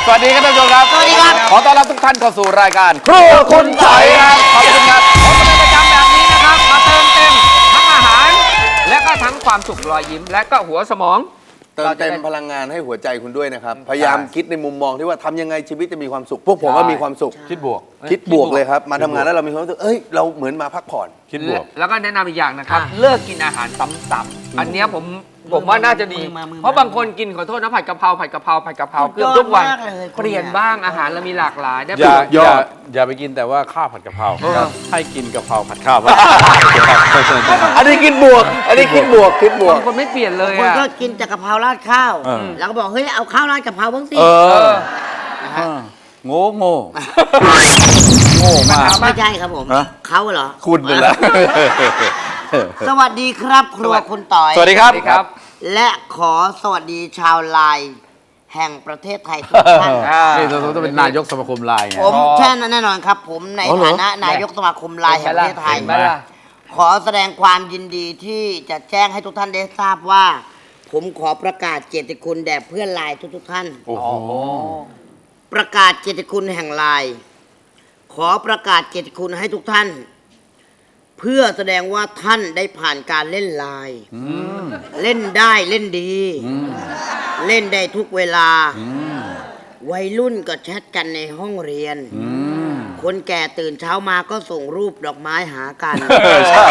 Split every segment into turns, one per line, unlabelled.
สวัสดีครับท่านผู้ชมครับ
สวัสดีครับ
ขอต้อนรับทุกท่านเข้าสู่รายการครัวคุณไต่ครับขอบคุณครับ
ผมเป็นประจำแบบนี้นะครับมาเติมเต็มทั้งอาหาร และก็ทั้งความสุขรอยยิ้ม และก็หัวสมอง
เติมเต็มพลังงานให้หัวใจคุณด้วยนะครับ พยายามคิดในมุมมองที่ว่าทำยังไงชีวิตจะมีความสุข พวกผมก็มีความสุข
คิดบวก
คิดบวกเลยครับ มาทำงานแล้วเรามีความรู้สึกเอ้ยเราเหมือนมาพักผ่อน
คิดบวก
แล้วก็แนะนำอีกอย่างนะครับ เลิกกินอาหารซ้ำๆอันเนี้ยผมว่าน่าจะดี เพราะบางคนกินขอโทษนะผัดกะเพราเกือบทุกวันเปลี่ยนบ้างอาหารเรามีหลากหลายได้ประโยชน์
อย่าไปกินแต่ว่าข้าวผัดกะเพราให้กินกะเพราผัดข้าว
อันนี้คิดบวก อันนี้คิดบวกคิดบวก
บางคนไม่เปลี่ยนเลย
คน
อ่ะ
ก็กินแต่กะเพราราดข้าว แล้วก็บอกเฮ้ยเอาข้าวราดกะเพราบ้างสิ
โง่โง่มาก
ไม่ใช่ครับผม
ฮะ
เขาเหรอ
คุณเป็นละ
สวัสดีครับครัวคุณต่อย
สวัสดีครับ
และขอสวัสดีชาวไลน์แห่งประเทศไทยทุกท่าน
นี่เราต้องเป็นนายกสมาคมไลน์ไง
ผมแช่นั้นแน่นอนครับ ผมใน
อ๋อเหรอ
ฐานะนายกสมาคมไลน์แห่งประเทศไทย
เห็นไหมล่ะ
ขอแสดงความยินดีที่จะแจ้งให้ทุกท่านได้ทราบว่า ผมขอประกาศเกียรติคุณแด่เพื่อนไลน์ทุกๆท่าน
โอ้โห
ประกาศเกียรติคุณแห่งไลน์ขอประกาศเกียรติคุณให้ทุกท่าน เพื่อแสดงว่าท่านได้ผ่านการเล่นไลน์เล่นได้เล่นดี เล่นได้ทุกเวลา วัยรุ่นก็แชทกันในห้องเรียน คนแก่ตื่นเช้ามาก็ส่งรูปดอกไม้หากัน
ใช่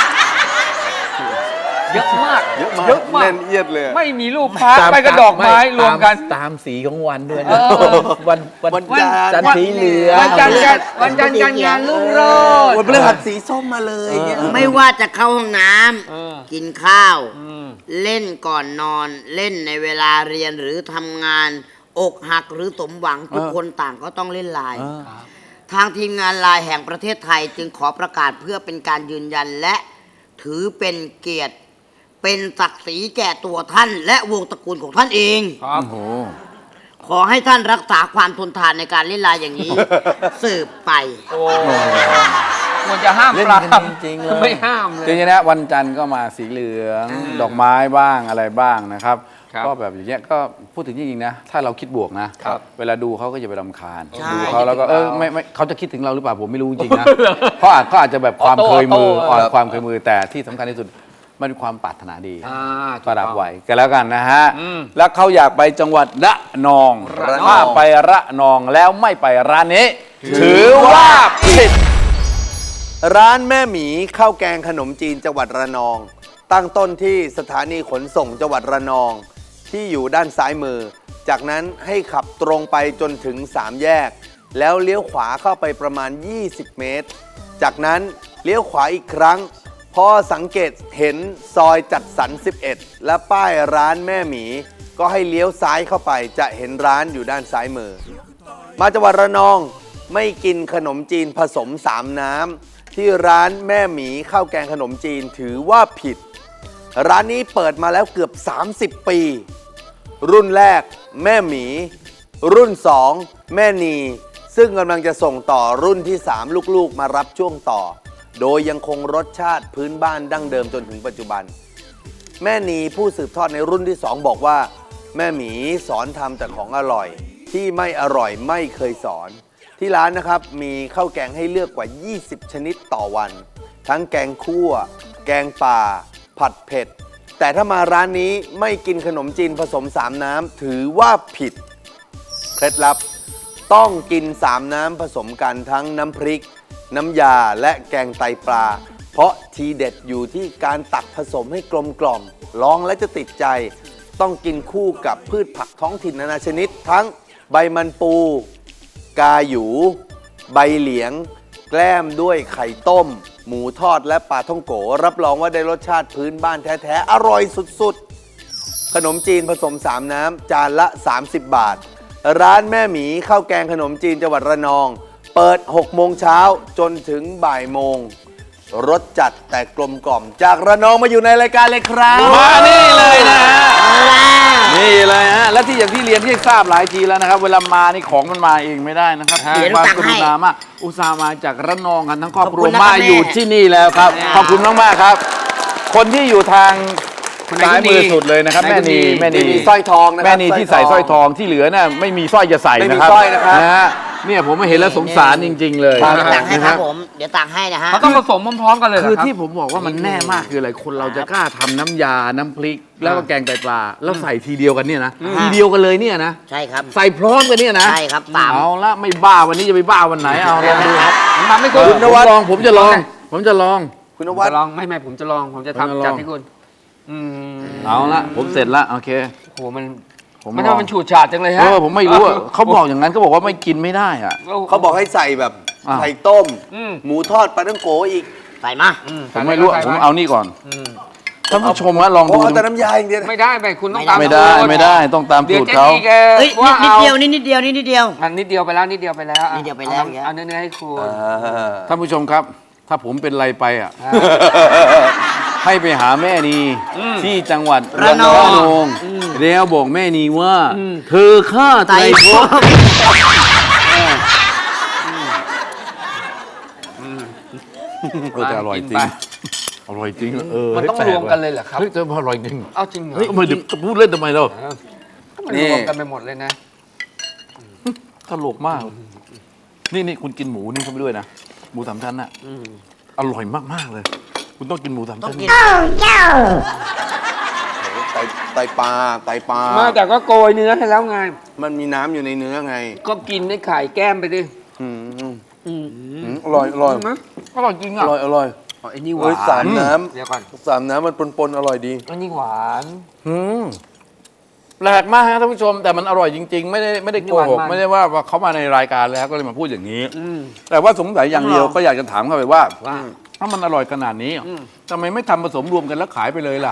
เยอะมาก
เยอะมาก
เยอะมาก
แน่นเอียดเลย
ไม่มีรูปพระไปกระดอกไม้รวมกัน
ตามสีของวันด้วยนะวันจันทร์สีเหลือง
วันจันทร์การงานรุ่งโรจน์
วันพฤหัสสีส้มมาเลยเงี้ย
ไม่ว่าจะเข้าห้องน้ำกินข้าว เล่นก่อนนอน เล่นในเวลาเรียนหรือทำงาน อกหักหรือสมหวังทุกคนต่างก็ต้องเล่นไลน์ทางทีมงานไลน์แห่งประเทศไทยจึงขอประกาศเพื่อเป็นการยืนยันและถือเป็นเกียรติ เป็นศักดิ์ศรีแก่ตัวท่าน และวงตระกูลของท่านเอง
โอ้โห
ขอให้ท่านรักษาความทนทานในการเล่นไลน์อย่างนี้ สืบไป
โอ้ควรจะห้าม
เล่น
ปรา
กัน
บ
จริงๆเลย
ไม่ห้ามเลย
จริงๆนะวันจันทร์ก็มาสีเหลือง ดอกไม้บ้างอะไรบ้างนะครับ
ครับ
ก็แบบอย่างเงี้ยก็พูดถึงจริงๆนะ ถ้าเราคิดบวกนะ
ครับ
เวลาดูเขาก็จะไปรำคาญ
ใช่
ดูเขาแล้วก็ไม่เขาจะคิดถึงเราหรือเปล่าผมไม่รู้จริงๆนะเขาอาจจะแบบความเคยมือ
ออโต้
ความเคยมือแต่ที่สำคัญที่สุดมันเป็นความปรารถนาดี
ถูก
ประดับ
ต้อง
ไว้กันแล้วกันนะฮะ
อืม
แล้วเขาอยากไปจังหวัดระนอง
ระนอง
ถ้าไประนองแล้วไม่ไปร้านนี้ ถือว่าผิด
ร้านแม่หมีข้าวแกงขนมจีนจังหวัดระนอง ตั้งต้นที่สถานีขนส่งจังหวัดระนอง ที่อยู่ด้านซ้ายมือ จากนั้นให้ขับตรงไปจนถึง3แยก แล้วเลี้ยวขวาเข้าไปประมาณ 20 เมตร จากนั้นเลี้ยวขวาอีกครั้ง พอสังเกตเห็นซอยจัดสรร11 และป้ายร้านแม่หมี ก็ให้เลี้ยวซ้ายเข้าไปจะเห็นร้านอยู่ด้านซ้ายมือ มาจังหวัดระนองไม่กินขนมจีนผสม3น้ำที่ร้านแม่หมีข้าวแกงขนมจีนถือว่าผิด ร้านนี้เปิดมาแล้วเกือบ30 ปี รุ่นแรกแม่หมี รุ่น 2 แม่นี ซึ่งกำลังจะส่งต่อรุ่นที่ 3 ลูกๆมารับช่วงต่อ โดยยังคงรสชาติพื้นบ้านดั้งเดิมจนถึงปัจจุบัน แม่นีผู้สืบทอดในรุ่นที่ 2 บอกว่า แม่หมีสอนทำแต่ของอร่อย ที่ไม่อร่อยไม่เคยสอน ที่ร้านนะครับมีข้าวแกงให้เลือกกว่า 20 ชนิดต่อวัน ทั้งแกงคั่ว แกงป่า ผัดเผ็ด แต่ถ้ามาร้านนี้ไม่กินขนมจีนผสม3น้ำถือว่าผิด เคล็ดลับต้องกิน3น้ำผสมกันทั้งน้ำพริก น้ำยาและแกงไตปลา เพราะทีเด็ดอยู่ที่การตักผสมให้กลมกล่อมลองและจะติดใจ ต้องกินคู่กับพืชผักท้องถิ่นนานาชนิด ทั้งใบมันปู กาหยู ใบเหลียง แกล้มด้วยไข่ต้ม หมูทอดและปลาท่องโกรับรองว่าได้รสชาติพื้นบ้านแท้ๆอร่อยสุดๆ ขนมจีนผสม3น้ำจานละ 30 บาท ร้านแม่หมีข้าวแกงขนมจีนจังหวัดระนอง เปิด 6 โมงเช้าจนถึงบ่ายโมง รสจัดแต่กลมกล่อม จากระนองมาอยู่ในรายการเลยครับ
มานี่เลยนะฮะนี่เลยฮะและที่อย่างที่เรียนที่ทราบหลายทีแล้วนะครับ เวลามานี่ของมันมาเองไม่ได้นะครับ
เดี๋ยว
ความ
ตัก
ก
ให้
รุณามากอุตส่าห์มาจากระนองกันทั้งครอบครัว
ขอบคุณนะครับ
มาอยู่
แม่
ที่นี่แล้วครับ ขอบคุณมากๆครับ คนที่อยู่ทาง
คนไหน
ซ้าย
ก็ดี
มือสุดเลยนะครับ
ไหน
แม่
ก็ดี
นีแม่นี
มีสร้อยทองนะครับ
แม่นีที่ใส่สร้อยทองที่เหลือน่ะไม่มีสร้อยจะใส่
ไม่มี
นะครับ
สร้อยนะครับ
นะฮะเนี่ยผมมาเห็นแล้วสงสารจริง ๆ เลย
เดี๋ยวตักให้
นะ
ค
ค
รั
รั
บบ ผมเดี๋ยวตักให้นะฮะ
เขาต้องผสมพร้อมๆกันเลยเหร
คือ
รับ
ที่ผมบอกว่ามันแน่มากคืออะไรคนเราจะกล้าทำน้ำยาน้ำพริก แล้วก็แกงไตปลาแล้วใส่ทีเดียวกันเนี่ยนะทีเดียวกันเลยเนี่ยนะ
ใช่ครับ
ใส่พร้อมกันเนี่ยนะ
ใช่ครับตาม
เอาละไม่บ้าวันนี้จะไปบ้าวันไหนเอาลองดูครับ
ทำให้คุณ
ผมลองผมจะลอง ผมจะลอง
คุณน
ผม
วัด
จะลองไม่ผมจะลองผมจะ
ผมจะลอง
ทำจัดให้คุณม
เอาละผมเสร็จละโอเค
โหมัน
ผม
มัน
ลอง
ทำมันฉูดฉาดจังเลยฮะ
ผมไม่รู้อะเขาบอกอย่างนั้นเขาบอกว่าไม่กินไม่ได้อะ
เขาบอกให้ใส่แบบ
อ้าว
ไข่ต้ม
อืม
หมูทอดปลาท่องโกอีก
ใส่มา
ผมไม่รู้อะผมเอานี่ก่อน
อืม
ท่านผู้ชมฮะลอง
โอ้
ดู
เอาแต่น้ำยาอย่างเดียวนะ
ไม่ได้ไปคุณต้องตาม
ไม่ได้
สูตร
ไม่ได้ต้องตาม
เดี๋ยว
สูตร
เจ๊
เขา
ดีแก
เฮ้ย
ว่า
นิด
เอา
เดียวนิดเดียวนิดเดียว
มันนิดเดียวไปแล้วนิดเดียวไปแล้วอ่ะ
นิดเดียวไปแล้ว
เอาเนื้อให้คุณ
ท่านผู้ชมครับ ถ้าผมเป็นไรไปอ่ะ ให้ไปหาแม่นีที่จังหวัด
ระนอง
แล้วบอกแม่นีว่า เธอฆ่าไตรภพแต่อร่อยจริง อร่อยจริง
มันต้อง
แปล
รวมกันเลยเหรอครับ
เฮ้ยแต่อร่อยจริง
เอาจริงเหรอ
เฮ้ยทำไมเดี๋ยวจะพูดเล่นทำไมเรา
มันรวมกันไปหมดเลยนะ
ตลกมาก นี่คุณกินหมูนี่เข้าไปด้วยนะ หมูสามชั้นน่ะอร่อยมากๆเลย คุณต้องกินหมูสาม
ต้อง
ชั้น
กิน
ไตปลาไตปลา
มาแต่ก็โกยเนื้อให้แล้วไง
มันมีน้ำอยู่ในเนื้อไง
ก็กินได้ไข่แก้มไปดิ
อืมอร่อยอร่อย
ใช่ไหม
อร่อยจริง
อ
อ่ะ
ร่อยอร่อย
อ๋อไอ้นี่หวา
เฮ้ย
น
สามน้
เดี๋ยวก่อน
ำสามน้ำมันปนๆอร่อยดี
อันนี้หวาน
อืมแปลกมากฮะท่านผู้ชม แต่มันอร่อยจริง ๆ ไม่ได้โกหก
หวานมาก
ไม่ได้ว่าเขามาในรายการแล้วก็เลยมาพูดอย่างนี้
อืม
แต่ว่าสงสัยอย่างเดียวก็อยากจะถามเขาไปว่า
ว่า
ถ้ามันอร่อยขนาดนี้ทำไมไม่ทำผสมรวมกันแล้วขายไปเลยล่ะ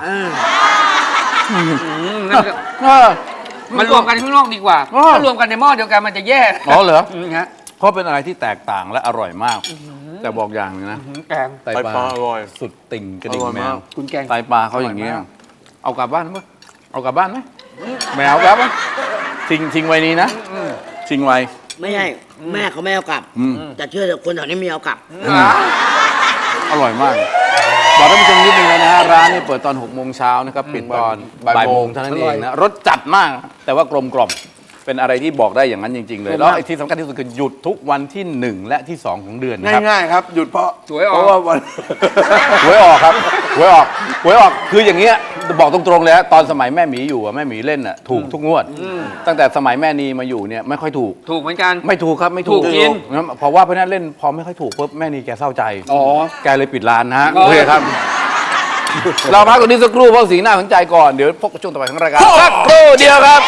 นั่นก็
เออ
มันรวมกันข้างนอกดีกว่า
อ๋อ
ถ้ารวมกันในหม้อเดียวกันมันจะแย่
อ๋อเหรอ
ฮะ
เพราะเป็นอะไรที่แตกต่างและอร่อยมาก แต่บอกอย่างหนึงนะ
แกง
ไตปลา
ไตปลาอร่อย
สุดติ่งกระดิ่ง
อร่อย
แม
มาก
ว
คุณแกง
ไตปลาเขาอย่างนี้
อร่อยมาก
เอากลับบ้านไหมเอากลับบ้านไหมแมวกลับไหมทิ้งไว้นี้นะทิ้งไว้
ไม่ใช่แม่เขาไม่เอากลับ
อืม
แต่เชื่อเถอะคนแถวนี้มีเอากลับ
อร่อยมาก บอกท่านผู้ชมนิดนึงนะฮะร้านนี้เปิดตอน6 โมงเช้านะครับปิดตอนบ่ายโมงเท่านั้นเองนะรสจัดมาก แต่ว่ากลมกล่อมเป็นอะไรที่บอกได้อย่างนั้นจริง ๆ เลย แล้วไอ้ที่สำคัญที่สุดคือหยุดทุกวันที่ 1 และที่ 2 ของเดือนนะครับ
ง่ายๆครับ หยุดเพราะ
สวยออก
เพราะว่าวัน
หวยออกครับหวยออกคืออย่างเงี้ยบอกตรงๆเลยฮะตอนสมัยแม่หมีอยู่อะแม่หมีเล่นอ่ะถูกทุกงวด ตั้งแต่สมัยแม่นีมาอยู่เนี่ยไม่ค่อยถูก
ถูกเหมือนกัน
ไม่ถูกครับไม่ถูก
ถูกกิน
งั้นเพราะว่าเพราะนั้นเล่นพอไม่ค่อยถูกปุ๊บแม่นีแกเศร้าใจ
อ๋อ
แกเลยปิดร้านนะฮะ
อ๋อ
โอเคครับ เราพักตรงนี้สักครู่เพราะสีหน้าสนใจก่อนเดี๋ยวพบกับช่วงต่อไปของรายการสักครู่เดียวครับ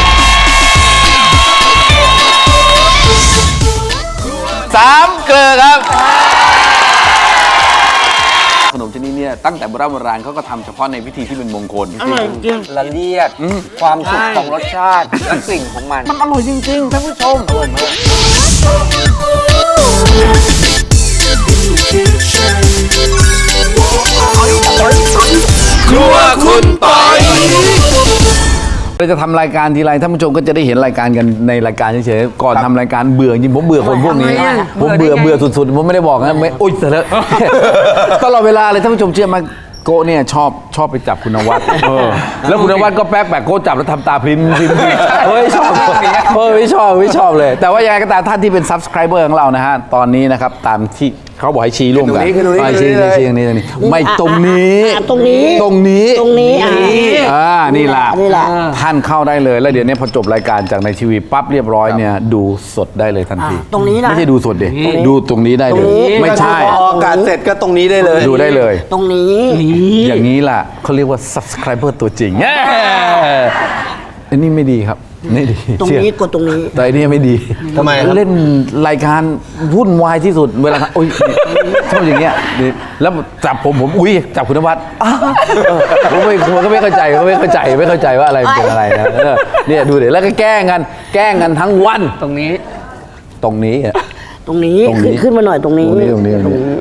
สามเกลือครับขนมชนิดเนี้ตั้งแต่โบราณเขาก็ทำเฉพาะในพิธีที่เป็นมงคล
อร่อยจริง
ละเลียด ความสุขของรสชาติและกลิ่นของมัน
มันอร่อยจริงๆท่านผู้ชม ครัวคุณปอยเราจะทำรายการทีไรท่านผู้ชมก็จะได้เห็นรายการกันในรายการเฉยๆก่อนทำรายการเบื่อจริงผมเบื่อคนพวกนี้
ทำไมอะ
ผมเบื่อสุดๆผมไม่ได้บอกนะไม่อุ้ยเสร็จแล้ว ตลอดเวลาเลยท่านผู้ชมเชื่อไหมโกะเนี่ยชอบไปจับคุณนวัดแล้วคุณนวัดก็แป๊กโกะจับแล้วทำตาพริมเฮ้ยชอบไม่ชอบเลย แต่ว่ายังไงก็ตามท่านที่เป็น subscriber ของเรานะฮะตอนนี้นะครับตามที่เขาบอกให้ชี้ร่วมกัน
ขึ้นตรงนี้
ชี้
ขึ้นตรงนี้
ชี้ตรงนี้ไม่ตรงนี้
ตรงนี้
ตรงนี้
ตรงนี้
นี่แหละ
นี่แหละ
ท่านเข้าได้เลยแล้วเดี๋ยวนี้พอจบรายการจากในทีวีปั๊บเรียบร้อยเนี่ยดูสดได้เลยทันที
ตรงนี้นะ
ไม่ใช่ดูสดเด็ดูตรงนี้ได้เลย
ตรงนี้
ไม่ใช่
พออากาศเสร็จก็ตรงนี้ได้เลย
ดูได้เลย
ตรงนี้
อย่างนี้ล่ะเขาเรียกว่า subscriber ตัวจริงอันนี้ไม่ดีครับไม่ดี
ตรง
เชื่อ
นี้กดตรงนี้
แต่อันนี้ไม่ดี
ทำไมครับ
เล่นรายการวุ่นวายที่สุดเวลาโอ้ยชอบอย่างเงี้ยแล้วจับผมอุ้ยจับคุณนวัดผมก็ไม่เข้าใจว่าอะไรเป็นอะไรนะเนี่ยดูเดี๋ยวแล้วก็แกล้งกันทั้งวัน
ตรงนี้
ตรงนี้
ตรงนี้
ตรงนี้
ขึ้นมาหน่อยตรงนี้
ตรงนี้